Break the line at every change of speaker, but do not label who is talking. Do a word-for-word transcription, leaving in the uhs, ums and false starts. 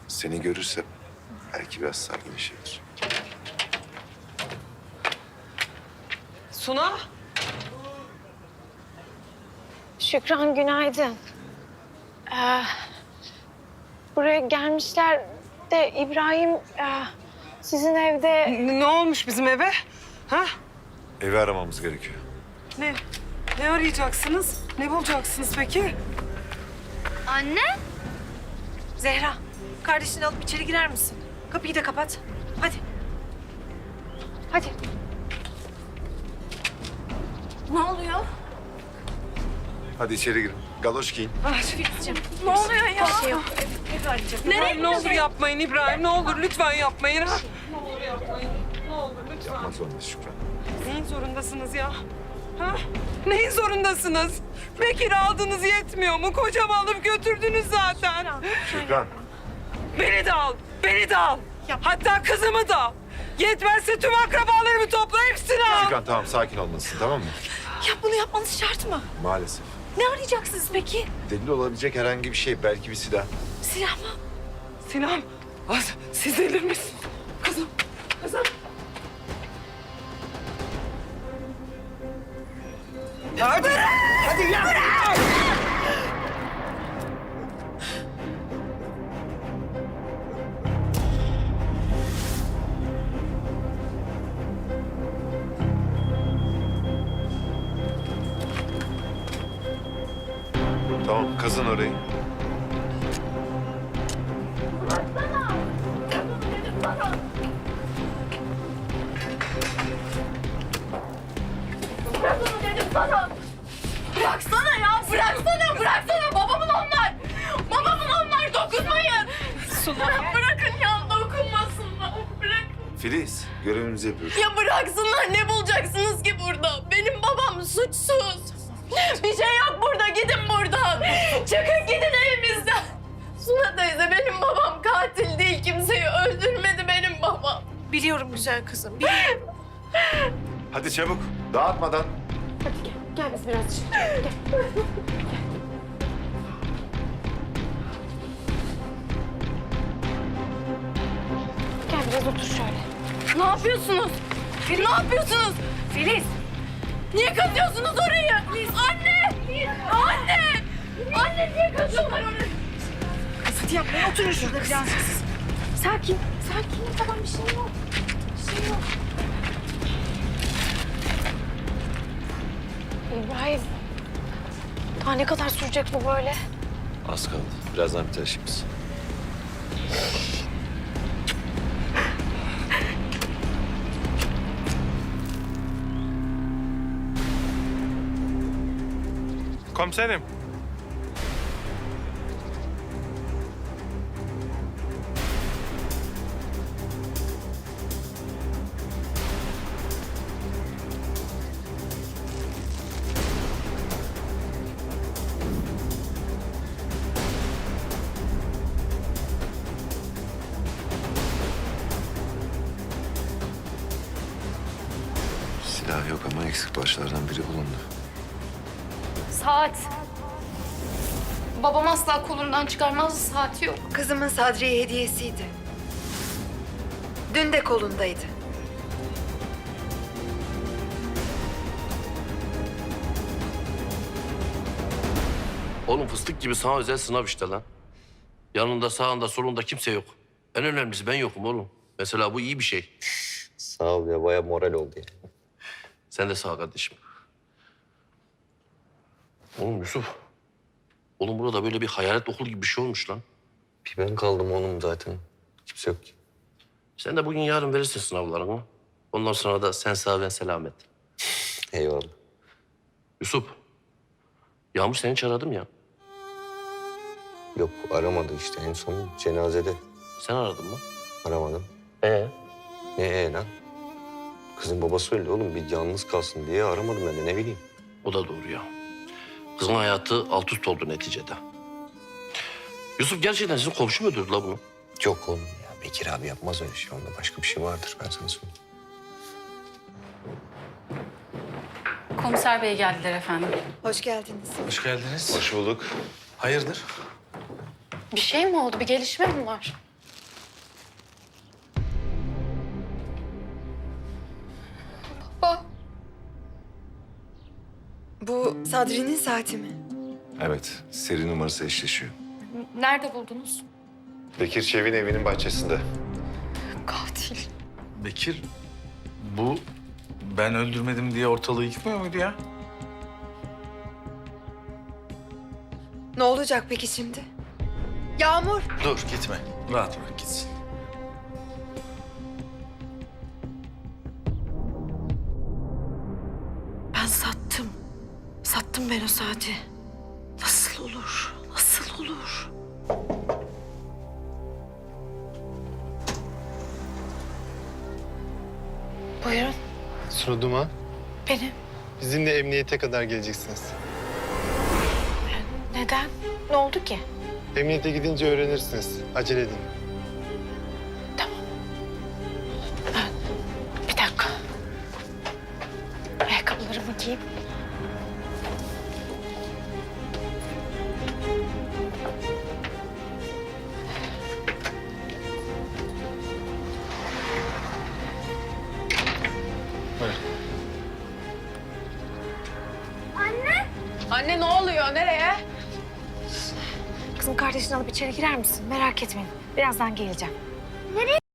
Seni görürse belki biraz sakinleşebilir.
Suna.
Şükran günaydın. Ee, buraya gelmişler de İbrahim e, sizin evde...
N- Ne olmuş bizim eve? Ha?
Evi aramamız gerekiyor.
Ne? Ne arayacaksınız? Ne bulacaksınız peki?
Anne?
Zehra, kardeşini alıp içeri girer misin? Kapıyı da kapat. Hadi. Hadi. Ne oluyor?
Hadi içeri girin. Galoş giyin.
Ah,
Ne oluyor ya? Bir şey yok. Evi arayacak.
İbrahim ne olur yapmayın İbrahim. Ne olur lütfen yapmayın. Ha? Ne olur yapmayın. Ne olur lütfen.
Yapmak zorundayız Şükran.
Neyin zorundasınız ya? Ha? Neyin zorundasınız? Bekir aldınız yetmiyor mu? Kocamı alıp götürdünüz zaten.
Şükran.
Beni de al. Beni de al. Hatta kızımı da. Yetmezse tüm akrabalarımı topla hepsini al.
Şükran tamam sakin olmalısın tamam mı?
Ya bunu yapmanız şart mı?
Maalesef.
Ne arayacaksınız peki?
Delil olabilecek herhangi bir şey. Belki bir silah.
Silah mı?
Sinan, az, siz delir misiniz? Kızım, kızım. Ya bırak! Hadi ya! Bırak!
Tamam kazın orayı.
Bıraksana ya, bıraksana, bıraksana. Babamın onlar. Babamın onlar, dokunmayın.
Suna.
Bırakın ya, dokunmasınlar. Bırakın.
Filiz görevimizi yapıyoruz.
Ya bıraksınlar, ne bulacaksınız ki burada? Benim babam suçsuz. Bir şey yok burada, gidin buradan. Çıkın gidin evimizden. Suna teyze, benim babam katil değil. Kimseyi öldürmedi benim babam.
Biliyorum güzel kızım. Biliyorum.
Hadi çabuk. Dağıtmadan.
Gel biz biraz dışarı. Gel. Gel biraz otur şöyle.
Ne yapıyorsunuz? Ne yapıyorsunuz?
Filiz.
Niye kazıyorsunuz orayı? Anne! Anne! Anne niye kazıyorlar orayı?
Hadi yapmayın. Oturun şurada biraz. Sakin. Sakin. Tamam bir şey yok. Bir şey yok.
İbrahim. Daha ne kadar sürecek bu böyle?
Az kaldı. Birazdan biter işimiz.
Komiserim.
Silah yok ama eksik parçalardan biri bulundu.
Saat. Babam asla kolundan çıkarmazdı, saati yok.
Kızımın Sadriye hediyesiydi. Dün de kolundaydı.
Oğlum fıstık gibi sana özel sınav işte lan. Yanında, sağında, solunda kimse yok. En önemlisi ben yokum oğlum. Mesela bu iyi bir şey.
Sağ ol ya, bayağı moral oldu ya.
Sen de sağ ol kardeşim. Oğlum Yusuf. Oğlum burada böyle bir hayalet okul gibi bir şey olmuş lan.
Bir ben kaldım oğlum zaten. Kimse yok ki.
Sen de bugün yarın verirsin sınavlarını. Ondan sonra da sen sağ ben selamet.
Eyvallah.
Yusuf. Yağmur seni hiç aradım ya.
Yok aramadı işte en son cenazede.
Sen aradın mı?
Aramadım.
Ee?
Ne ee lan? Kızın babası öldü oğlum. Bir yalnız kalsın diye aramadım ben de ne bileyim.
O da doğru ya. Kızın hayatı alt üst oldu neticede. Yusuf gerçekten sizin komşu mu öldürdü la bunu?
Yok oğlum ya. Bekir abi yapmaz öyle şey. Onda başka bir şey vardır ben sana söyleyeyim.
Komiser bey geldiler efendim.
Hoş geldiniz.
Hoş geldiniz.
Hoş bulduk.
Hayırdır?
Bir şey mi oldu? Bir gelişme mi var?
Bu Sadri'nin saati mi?
Evet, seri numarası eşleşiyor.
Nerede buldunuz?
Bekir Çevik'in evinin bahçesinde.
Katil.
Bekir, bu ben öldürmedim diye ortalığı yıkmıyor muydu ya?
Ne olacak peki şimdi? Yağmur.
Dur gitme. Rahat bırak gitsin.
Ben sattım. Sattım ben o saati. Nasıl olur? Nasıl olur? Buyurun,
Sunu Duman,
benim.
bizimle emniyete kadar geleceksiniz.
Neden? Ne oldu ki?
Emniyete gidince öğrenirsiniz. Acele edin.
Bir dakika. Ayakkabılarımı giyeyim.
Anne ne oluyor? Nereye?
Kızım kardeşini alıp içeri girer misin? Merak etmeyin. Birazdan geleceğim.